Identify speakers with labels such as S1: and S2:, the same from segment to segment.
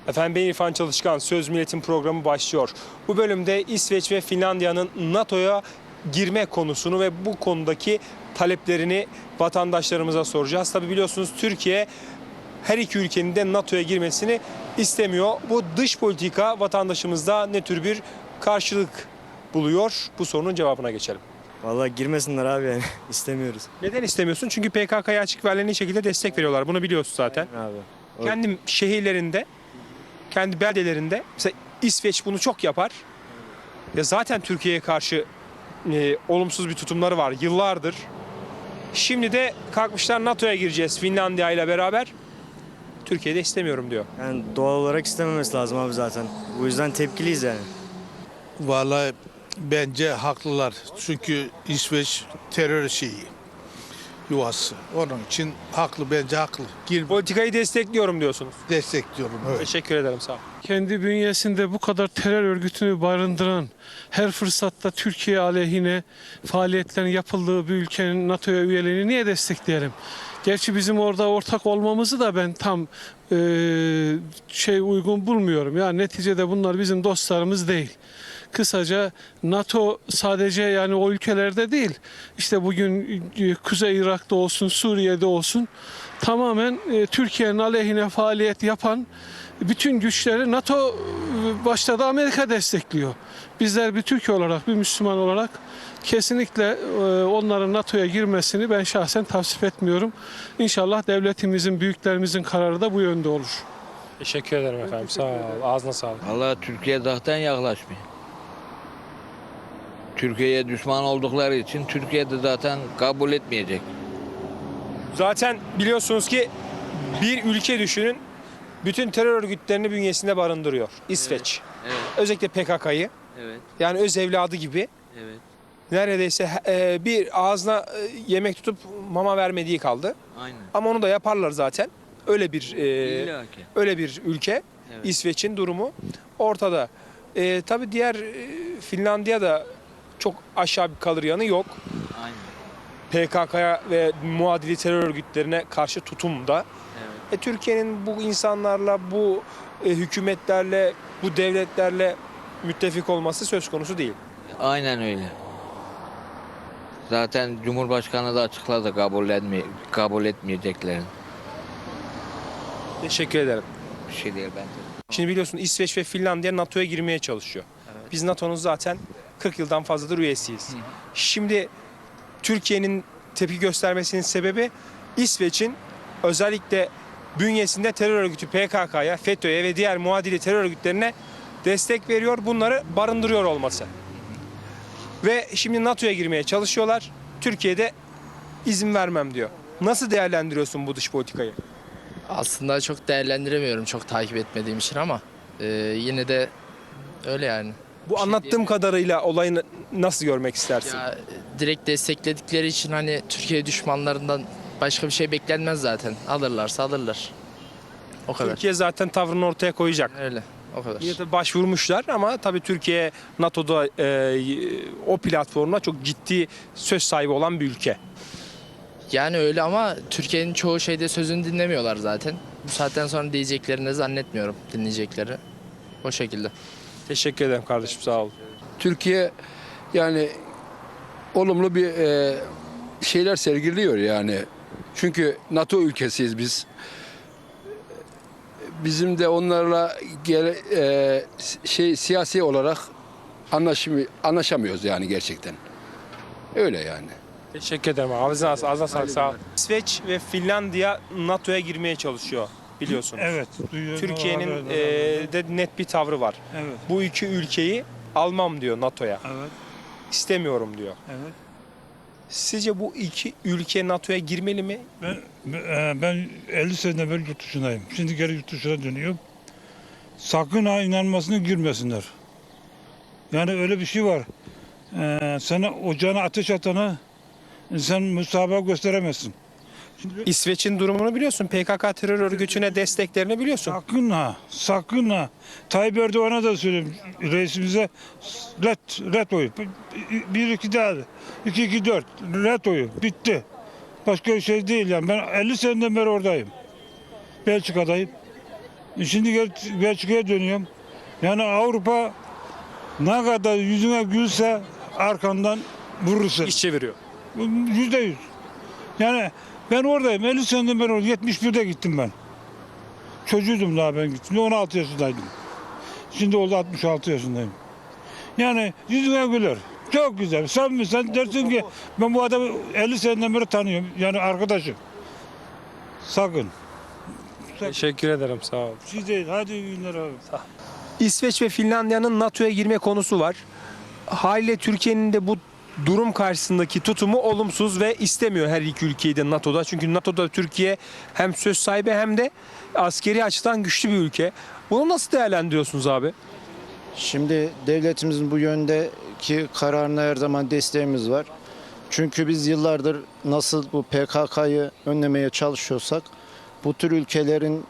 S1: Efendim ben İrfan Çalışkan, Söz Milletin programı başlıyor. Bu bölümde İsveç ve Finlandiya'nın NATO'ya girme konusunu ve bu konudaki taleplerini vatandaşlarımıza soracağız. Tabi biliyorsunuz Türkiye her iki ülkenin de NATO'ya girmesini istemiyor. Bu dış politika vatandaşımızda ne tür bir karşılık buluyor? Bu sorunun cevabına geçelim.
S2: Vallahi girmesinler abi yani istemiyoruz.
S1: Neden istemiyorsun? Çünkü PKK'ya açık ve aleni şekilde destek veriyorlar. Bunu biliyorsun zaten.
S2: Abi.
S1: Kendi şehirlerinde, kendi beldelerinde mesela İsveç bunu çok yapar. Ya zaten Türkiye'ye karşı olumsuz bir tutumları var yıllardır. Şimdi de kalkmışlar NATO'ya gireceğiz Finlandiya ile beraber. Türkiye'de istemiyorum diyor.
S2: Yani doğal olarak istememesi lazım abi zaten. Bu yüzden tepkiliyiz yani.
S3: Vallahi bence haklılar. Çünkü İsveç terör yuvası. Onun için bence haklı.
S1: Politikayı destekliyorum diyorsunuz.
S3: Destekliyorum. Evet.
S1: Teşekkür ederim, sağ ol.
S4: Kendi bünyesinde bu kadar terör örgütünü barındıran, her fırsatta Türkiye aleyhine faaliyetlerin yapıldığı bir ülkenin NATO'ya üyeliğini niye destekleyelim? Gerçi bizim orada ortak olmamızı da ben tam uygun bulmuyorum. Yani neticede bunlar bizim dostlarımız değil. Kısaca NATO sadece yani o ülkelerde değil, işte bugün Kuzey Irak'ta olsun, Suriye'de olsun tamamen Türkiye'nin aleyhine faaliyet yapan bütün güçleri NATO başta da Amerika destekliyor. Bizler bir Türkiye olarak, bir Müslüman olarak kesinlikle onların NATO'ya girmesini ben şahsen tavsiye etmiyorum. İnşallah devletimizin, büyüklerimizin kararı da bu yönde olur.
S1: Teşekkür ederim efendim, sağ ol. Ağzına sağlık.
S5: Vallahi Türkiye zaten yaklaşmıyor. Türkiye'ye düşman oldukları için Türkiye de zaten kabul etmeyecek.
S1: Zaten biliyorsunuz ki bir ülke düşünün, bütün terör örgütlerini bünyesinde barındırıyor. İsveç.
S5: Evet,
S1: Özellikle PKK'yı.
S5: evet,
S1: Yani öz evladı gibi.
S5: evet.
S1: Neredeyse bir ağzına yemek tutup mama vermediği kaldı.
S5: Aynen.
S1: Ama onu da yaparlar zaten. Öyle bir
S5: İlla ki.
S1: öyle bir ülke.
S5: Evet.
S1: İsveç'in durumu ortada. Tabii diğer Finlandiya da çok aşağı bir kalır yanı yok.
S5: Aynen.
S1: PKK'ya ve muadili terör örgütlerine karşı tutumda.
S5: Evet.
S1: Türkiye'nin bu insanlarla, bu hükümetlerle, bu devletlerle müttefik olması söz konusu değil.
S5: Aynen öyle. Zaten Cumhurbaşkanı da açıkladı kabul etmeyeceklerini.
S1: Teşekkür ederim.
S5: Bir şey değil bence.
S1: Şimdi biliyorsun İsveç ve Finlandiya NATO'ya girmeye çalışıyor. Biz NATO'nun zaten 40 yıldan fazladır üyesiyiz. Şimdi Türkiye'nin tepki göstermesinin sebebi İsveç'in özellikle bünyesinde terör örgütü PKK'ya, FETÖ'ye ve diğer muadili terör örgütlerine destek veriyor, bunları barındırıyor olması. Ve şimdi NATO'ya girmeye çalışıyorlar. Türkiye'de izin vermem diyor. Nasıl değerlendiriyorsun bu dış politikayı?
S6: Aslında çok değerlendiremiyorum çok takip etmediğim için ama yine de öyle yani.
S1: Bu anlattığım kadarıyla olayı nasıl görmek istersin?
S6: Ya, direkt destekledikleri için hani Türkiye düşmanlarından başka bir şey beklenmez zaten. Alırlarsa alırlar. O kadar.
S1: Türkiye zaten tavrını ortaya koyacak.
S6: Öyle. O kadar.
S1: Yine de başvurmuşlar ama tabii Türkiye NATO'da o platformda çok ciddi söz sahibi olan bir ülke.
S6: Yani öyle ama Türkiye'nin çoğu şeyde sözünü dinlemiyorlar zaten. Bu saatten sonra diyeceklerini zannetmiyorum dinleyecekleri. O şekilde.
S1: Teşekkür ederim kardeşim, sağ ol.
S7: Türkiye yani olumlu bir şeyler sergiliyor yani. Çünkü NATO ülkesiyiz biz. Bizim de onlarla siyasi olarak anlaşamıyoruz yani gerçekten. Öyle yani.
S1: Teşekkür ederim. Ağzına sağlık, sağ ol. İsveç ve Finlandiya NATO'ya girmeye çalışıyor biliyorsunuz.
S8: Evet. Duyuyorum.
S1: Türkiye'nin de net bir tavrı var.
S8: Evet.
S1: Bu iki ülkeyi almam diyor NATO'ya.
S8: Evet.
S1: İstemiyorum diyor.
S8: Evet.
S1: Sizce bu iki ülke NATO'ya girmeli mi?
S8: Ben 50 sene evvel yurt dışındayım. Şimdi geri yurt dışına dönüyorum. Sakın ha inanmasına girmesinler. Yani öyle bir şey var. Sana ocağına ateş atana sen müsamaha gösteremezsin.
S1: İsveç'in durumunu biliyorsun. PKK terör örgütüne desteklerini biliyorsun.
S8: Sakın ha. Tayyip Erdoğan'a da söyleyeyim reisimize red oyu. 1-2 daha. 2-2-4 red oyu. Bitti. Başka bir şey değil yani. Ben 50 seneden beri oradayım. Belçika'dayım. Şimdi Belçika'ya dönüyorum. Yani Avrupa ne kadar yüzüne gülse arkandan vurursun.
S1: İş çeviriyor.
S8: %100. Yani ben oradayım. 50 seneden beri oradayım. 71'de gittim ben. Çocuğuydum daha ben gittim. 16 yaşındaydım. Şimdi oldu 66 yaşındayım. Yani yüzüne güler. Çok güzel. Sen dersin ki ben bu adamı 50 seneden beri tanıyorum. Yani arkadaşım. Sakın.
S1: Teşekkür ederim, sağ olun.
S8: Siz değil. Hadi iyi günler abi.
S1: İsveç ve Finlandiya'nın NATO'ya girme konusu var. Haliyle Türkiye'nin de bu durum karşısındaki tutumu olumsuz ve istemiyor her iki ülkeyi de NATO'da. Çünkü NATO'da Türkiye hem söz sahibi hem de askeri açıdan güçlü bir ülke. Bunu nasıl değerlendiriyorsunuz abi?
S9: Şimdi devletimizin bu yöndeki kararına her zaman desteğimiz var. Çünkü biz yıllardır nasıl bu PKK'yı önlemeye çalışıyorsak bu tür ülkelerin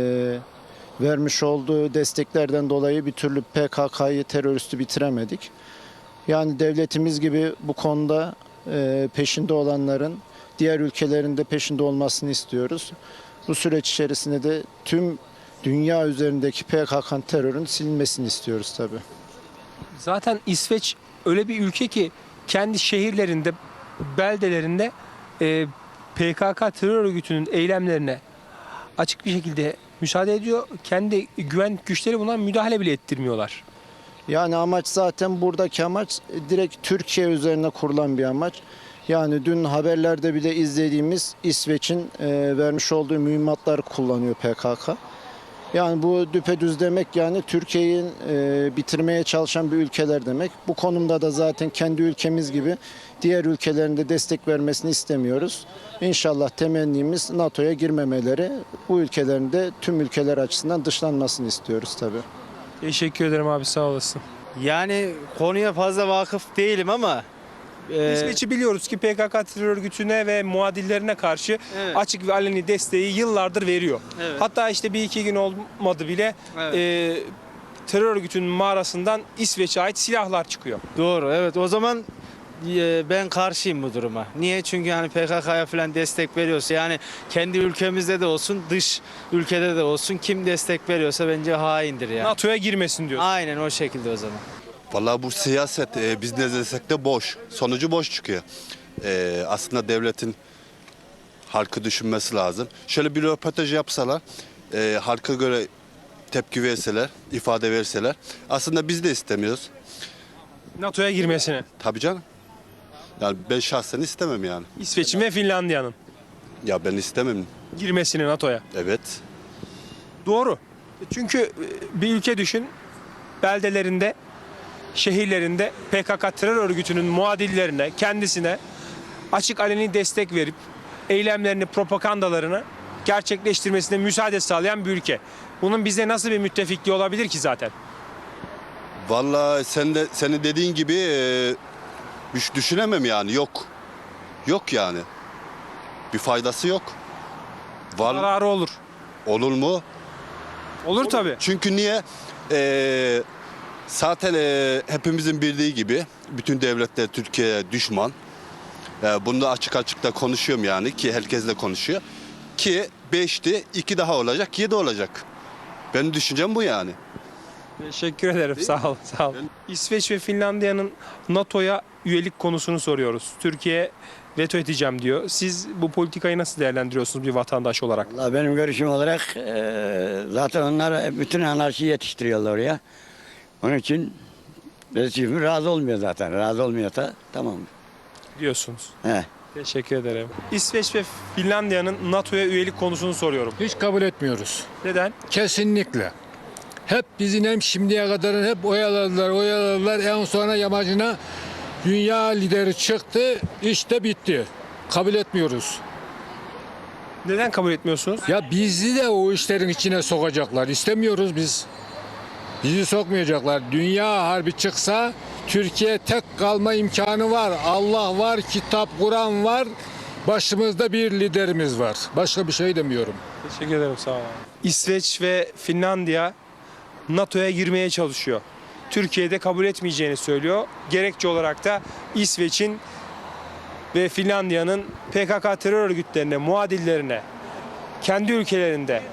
S9: vermiş olduğu desteklerden dolayı bir türlü PKK'yı teröristi bitiremedik. Yani devletimiz gibi bu konuda peşinde olanların diğer ülkelerin de peşinde olmasını istiyoruz. Bu süreç içerisinde de tüm dünya üzerindeki PKK terörün silinmesini istiyoruz tabii.
S1: Zaten İsveç öyle bir ülke ki kendi şehirlerinde, beldelerinde PKK terör örgütünün eylemlerine açık bir şekilde müsaade ediyor. Kendi güvenlik güçleri buna müdahale bile ettirmiyorlar.
S9: Yani amaç zaten buradaki amaç direkt Türkiye üzerine kurulan bir amaç. Yani dün haberlerde bile izlediğimiz İsveç'in vermiş olduğu mühimmatları kullanıyor PKK. Yani bu düpedüz demek yani Türkiye'yi bitirmeye çalışan bir ülkeler demek. Bu konumda da zaten kendi ülkemiz gibi diğer ülkelerin de destek vermesini istemiyoruz. İnşallah temennimiz NATO'ya girmemeleri, bu ülkelerin de tüm ülkeler açısından dışlanmasını istiyoruz tabii.
S1: Teşekkür ederim abi, sağ olasın.
S2: Yani konuya fazla vakıf değilim ama
S1: İsveç'i biliyoruz ki PKK terör örgütüne ve muadillerine karşı
S2: Evet.
S1: açık ve aleni desteği yıllardır veriyor.
S2: Evet.
S1: Hatta işte bir iki gün olmadı bile terör örgütünün mağarasından İsveç'e ait silahlar çıkıyor.
S2: doğru, evet, o zaman ben karşıyım bu duruma. Niye? Çünkü yani PKK'ya falan destek veriyorsa, yani kendi ülkemizde de olsun, dış ülkede de olsun, kim destek veriyorsa bence haindir yani.
S1: NATO'ya girmesin diyor.
S2: Aynen o şekilde o zaman.
S10: Vallahi bu siyaset biz ne desek de boş. Sonucu boş çıkıyor. Aslında devletin halkı düşünmesi lazım. Şöyle bir röportaj yapsalar, halka göre tepki verseler, ifade verseler. Aslında biz de istemiyoruz.
S1: NATO'ya girmesini.
S10: Tabii canım. Yani ben şahsen istemem yani.
S1: İsveç'in ve Finlandiya'nın
S10: Ya ben istemem.
S1: girmesini NATO'ya.
S10: Evet.
S1: Doğru. Çünkü bir ülke düşün, beldelerinde, şehirlerinde PKK terör örgütünün muadillerine, kendisine açık aleni destek verip eylemlerini, propagandalarını gerçekleştirmesine müsaade sağlayan bir ülke. Bunun bize nasıl bir müttefikliği olabilir ki zaten?
S10: Vallahi senin dediğin gibi düşünemem yani. Yok. Yok yani. Bir faydası yok.
S1: Zararı olur.
S10: Olur mu?
S1: Olur tabii.
S10: Çünkü niye? Zaten hepimizin bildiği gibi bütün devletler Türkiye'ye düşman. Bunu da açık açık da konuşuyorum yani ki herkesle konuşuyor. Ki 5'ti 2 daha olacak 7 olacak. Benim düşüncem bu yani.
S1: Teşekkür ederim. Sağ ol. Sağ ol. İsveç ve Finlandiya'nın NATO'ya üyelik konusunu soruyoruz. Türkiye veto edeceğim diyor. Siz bu politikayı nasıl değerlendiriyorsunuz bir vatandaş olarak?
S11: Vallahi benim görüşüm olarak zaten onlar bütün anarşi yetiştiriyorlar oraya. Onun için rejim razı olmuyor zaten. Razı olmuyorsa tamam.
S1: Diyorsunuz.
S11: He.
S1: Teşekkür ederim. İsveç ve Finlandiya'nın NATO'ya üyelik konusunu soruyorum.
S12: Hiç kabul etmiyoruz.
S1: Neden?
S12: Kesinlikle. Hep bizi hem şimdiye kadar hep oyaladılar. En sonra yamacına dünya lideri çıktı. İşte bitti. Kabul etmiyoruz.
S1: Neden kabul etmiyorsunuz?
S12: Ya bizi de o işlerin içine sokacaklar. İstemiyoruz biz. Bizi sokmayacaklar. Dünya harbi çıksa Türkiye tek kalma imkanı var. Allah var, kitap, Kur'an var. Başımızda bir liderimiz var. Başka bir şey demiyorum.
S1: Teşekkür ederim. Sağ olun. İsveç ve Finlandiya NATO'ya girmeye çalışıyor. Türkiye'de kabul etmeyeceğini söylüyor. Gerekçe olarak da İsveç'in ve Finlandiya'nın PKK terör örgütlerine, muadillerine kendi ülkelerinde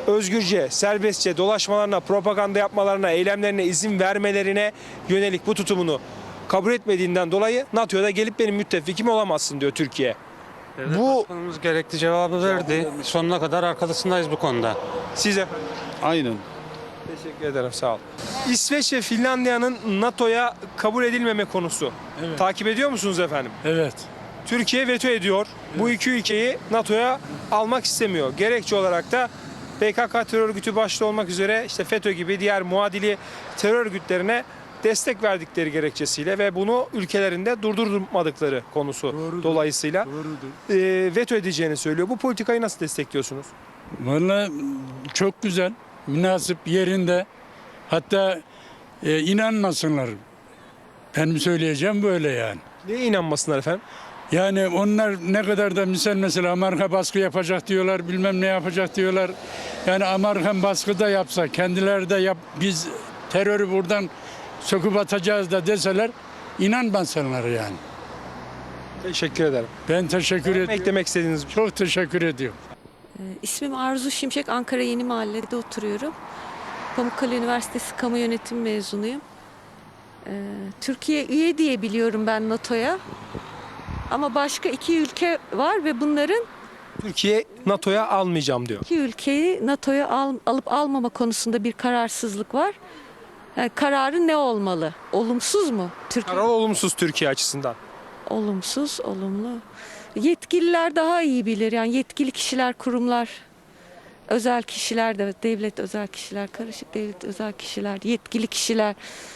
S1: özgürce, serbestçe dolaşmalarına, propaganda yapmalarına, eylemlerine izin vermelerine yönelik bu tutumunu kabul etmediğinden dolayı NATO'ya da gelip benim müttefikim olamazsın diyor Türkiye. Bu
S13: Başkanımız gerekli cevabı verdi. Sonuna kadar arkasındayız bu konuda.
S1: siz efendim.
S3: Aynen.
S1: Teşekkür ederim, sağ ol. İsveç ve Finlandiya'nın NATO'ya kabul edilmeme konusu. Takip ediyor musunuz efendim?
S8: Evet.
S1: Türkiye veto ediyor. Bu iki ülkeyi NATO'ya almak istemiyor. Gerekçe olarak da PKK terör örgütü başta olmak üzere işte FETÖ gibi diğer muadili terör örgütlerine destek verdikleri gerekçesiyle ve bunu ülkelerinde durdurmadıkları konusu dolayısıyla veto edeceğini söylüyor. Bu politikayı nasıl destekliyorsunuz?
S8: Vallahi çok güzel, münasip yerinde. Hatta inanmasınlar. Benim söyleyeceğim böyle yani.
S1: Neye inanmasınlar efendim?
S8: Yani onlar ne kadar da mesela Amerika baskı yapacak diyorlar, bilmem ne yapacak diyorlar. Yani Amerikan baskı da yapsa, kendileri de biz terörü buradan söküp atacağız da deseler inanmasınlar yani.
S1: Teşekkür ederim.
S8: Ben teşekkür ediyorum.
S1: Eklemek istediğiniz bir şey.
S8: Çok teşekkür ediyorum.
S14: İsmim Arzu Şimşek, Ankara Yeni Mahalle'de oturuyorum. Pamukkale Üniversitesi Kamu Yönetimi mezunuyum. Türkiye üye diye biliyorum ben NATO'ya. Ama başka iki ülke var ve bunların
S1: Türkiye NATO'ya almayacağım diyor.
S14: iki ülkeyi NATO'ya alıp almama konusunda bir kararsızlık var. Yani kararı ne olmalı? Olumsuz mu? Türkiye
S1: Karar olumsuz Türkiye açısından.
S14: olumsuz, olumlu. Yetkililer daha iyi bilir. Yani yetkili kişiler, kurumlar, özel kişiler de, devlet özel kişiler, karışık devlet özel kişiler, yetkili kişiler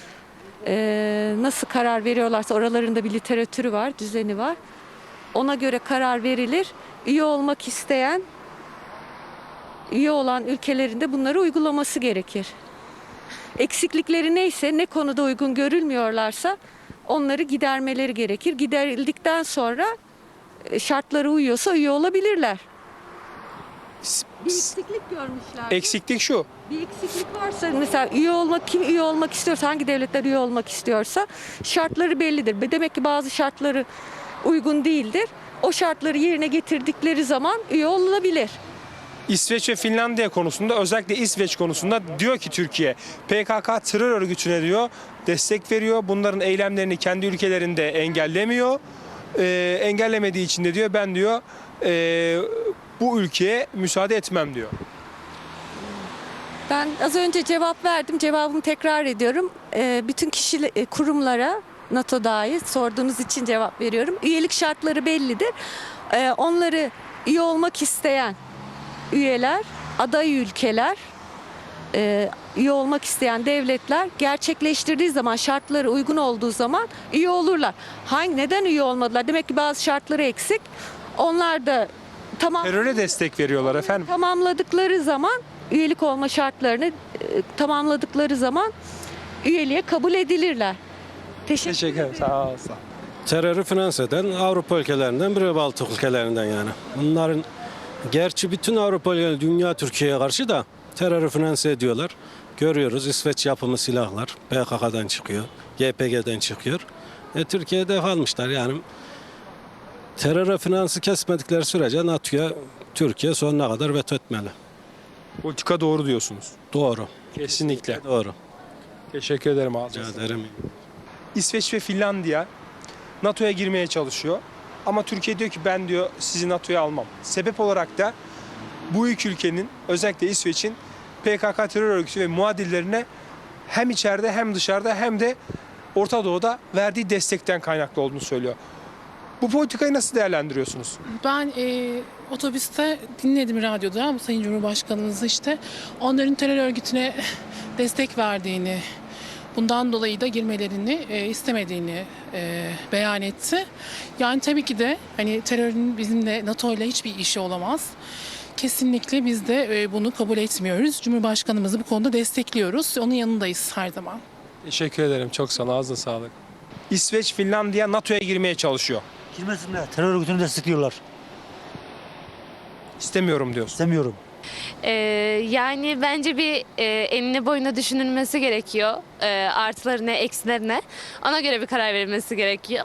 S14: nasıl karar veriyorlarsa oralarında bir literatürü var, düzeni var. Ona göre karar verilir. Üye olmak isteyen, üye olan ülkelerin de bunları uygulaması gerekir. Eksiklikleri neyse, ne konuda uygun görülmüyorlarsa onları gidermeleri gerekir. Giderildikten sonra şartlara uyuyorsa üye olabilirler. Bir eksiklik görmüşler.
S1: Eksiklik şu.
S14: Bir eksiklik varsa mesela kim üye olmak istiyorsa, hangi devletler üye olmak istiyorsa şartları bellidir. Demek ki bazı şartları uygun değildir. O şartları yerine getirdikleri zaman üye olunabilir.
S1: İsveç ve Finlandiya konusunda, özellikle İsveç konusunda diyor ki Türkiye PKK terör örgütüne diyor destek veriyor. Bunların eylemlerini kendi ülkelerinde engellemiyor. Engellemediği için de diyor ben diyor bu ülkeye müsaade etmem diyor.
S14: Ben az önce cevap verdim. Cevabımı tekrar ediyorum. Bütün kurumlara, NATO dahil sorduğunuz için cevap veriyorum. Üyelik şartları bellidir. Onları üye olmak isteyen üyeler, aday ülkeler, üye olmak isteyen devletler gerçekleştirdiği zaman, şartları uygun olduğu zaman üye olurlar. Neden üye olmadılar? Demek ki bazı şartları eksik. Onlar da
S1: Teröre destek veriyorlar efendim.
S14: tamamladıkları zaman, üyelik olma şartlarını tamamladıkları zaman üyeliğe kabul edilirler.
S1: Teşekkür ederim. Sağ ol.
S13: Terörü finanse eden Avrupa ülkelerinden biri, Baltık ülkelerinden yani. Bunların gerçi bütün Avrupa ülkeleri dünya Türkiye'ye karşı da terörü finanse ediyorlar. Görüyoruz İsveç yapımı silahlar PKK'dan çıkıyor, YPG'den çıkıyor. Türkiye'de almışlar yani. Teröre finansı kesmedikleri sürece NATO'ya Türkiye sonuna kadar veto etmeli.
S1: Politika doğru diyorsunuz.
S13: Doğru.
S1: Kesinlikle.
S13: Doğru.
S1: Teşekkür ederim abi.
S13: Rica ederim.
S1: İsveç ve Finlandiya NATO'ya girmeye çalışıyor. Ama Türkiye diyor ki ben diyor sizi NATO'ya almam. Sebep olarak da bu iki ülkenin, özellikle İsveç'in PKK terör örgütü ve muadillerine hem içeride hem dışarıda hem de Orta Doğu'da verdiği destekten kaynaklı olduğunu söylüyor. Bu politikayı nasıl değerlendiriyorsunuz?
S15: Ben otobüste dinledim radyoda Sayın Cumhurbaşkanımız işte onların terör örgütüne destek verdiğini, bundan dolayı da girmelerini istemediğini beyan etti. Yani tabii ki de hani terörün bizimle NATO ile hiçbir işi olamaz. Kesinlikle biz de bunu kabul etmiyoruz. Cumhurbaşkanımızı bu konuda destekliyoruz. Onun yanındayız her zaman.
S1: Teşekkür ederim. Çok sağ ol. Ağzına sağlık. İsveç, Finlandiya NATO'ya girmeye çalışıyor.
S16: Girmesinler. Terör örgütünü destekliyorlar.
S1: İstemiyorum diyorsun.
S16: İstemiyorum.
S17: Yani bence bir enine boyuna düşünülmesi gerekiyor. Artılarına, eksilerine. Ona göre bir karar verilmesi gerekiyor.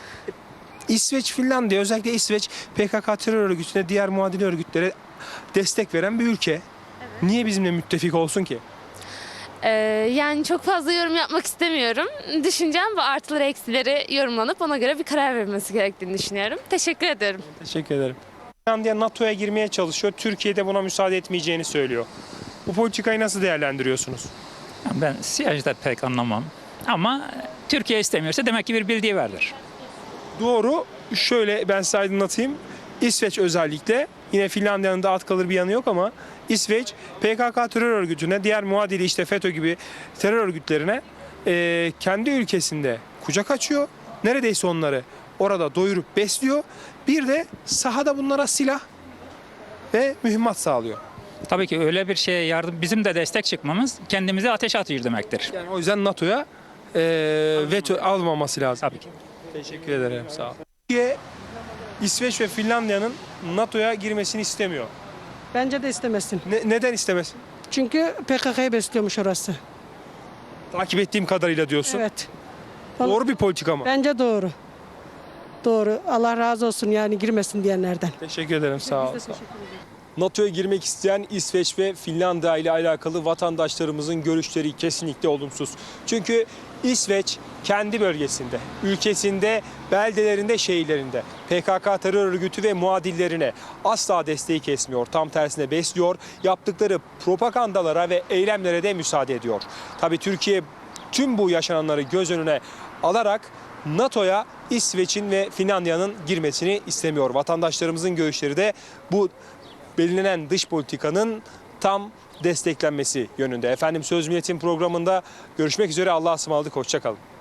S1: İsveç, Finlandiya, özellikle İsveç PKK terör örgütüne, diğer muadili örgütlere destek veren bir ülke. Niye bizimle müttefik olsun ki?
S17: Yani çok fazla yorum yapmak istemiyorum. Düşüncem bu, artıları eksileri yorumlanıp ona göre bir karar verilmesi gerektiğini düşünüyorum. Teşekkür ederim.
S1: Teşekkür ederim. Finlandiya NATO'ya girmeye çalışıyor. Türkiye de buna müsaade etmeyeceğini söylüyor. Bu politikayı nasıl değerlendiriyorsunuz?
S18: Ben siyaseten pek anlamam. Ama Türkiye istemiyorsa demek ki bir bildiği vardır.
S1: Doğru. Şöyle ben size aydınlatayım. İsveç özellikle, yine Finlandiya'nın da at kalır bir yanı yok ama İsveç PKK terör örgütüne, diğer muadili işte FETÖ gibi terör örgütlerine kendi ülkesinde kucak açıyor. Neredeyse onları orada doyurup besliyor. Bir de sahada bunlara silah ve mühimmat sağlıyor.
S18: Tabii ki öyle bir şeye yardım, bizim de destek çıkmamız kendimize ateş atıyor demektir.
S1: Yani o yüzden NATO'ya veto almaması lazım.
S18: Tabii ki.
S1: Teşekkür ederim, sağ ol. Türkiye, İsveç ve Finlandiya'nın NATO'ya girmesini istemiyor.
S19: Bence de istemesin.
S1: Neden istemesin?
S19: Çünkü PKK'yı besliyormuş orası.
S1: Takip ettiğim kadarıyla diyorsun.
S19: Evet.
S1: Doğru bir politika mı?
S19: Bence doğru. Doğru. Allah razı olsun yani girmesin diyenlerden.
S1: Teşekkür ederim, sağ ol.
S19: Biz de teşekkür ederiz.
S1: NATO'ya girmek isteyen İsveç ve Finlandiya ile alakalı vatandaşlarımızın görüşleri kesinlikle olumsuz. Çünkü İsveç kendi bölgesinde, ülkesinde, beldelerinde, şehirlerinde PKK terör örgütü ve muadillerine asla desteği kesmiyor. Tam tersine besliyor. Yaptıkları propagandalara ve eylemlere de müsaade ediyor. Tabii Türkiye tüm bu yaşananları göz önüne alarak NATO'ya İsveç'in ve Finlandiya'nın girmesini istemiyor. Vatandaşlarımızın görüşleri de bu belirlenen dış politikanın tam desteklenmesi yönünde. Efendim, Söz Milletin programında görüşmek üzere. Allah'a ısmarladık. Hoşça kalın.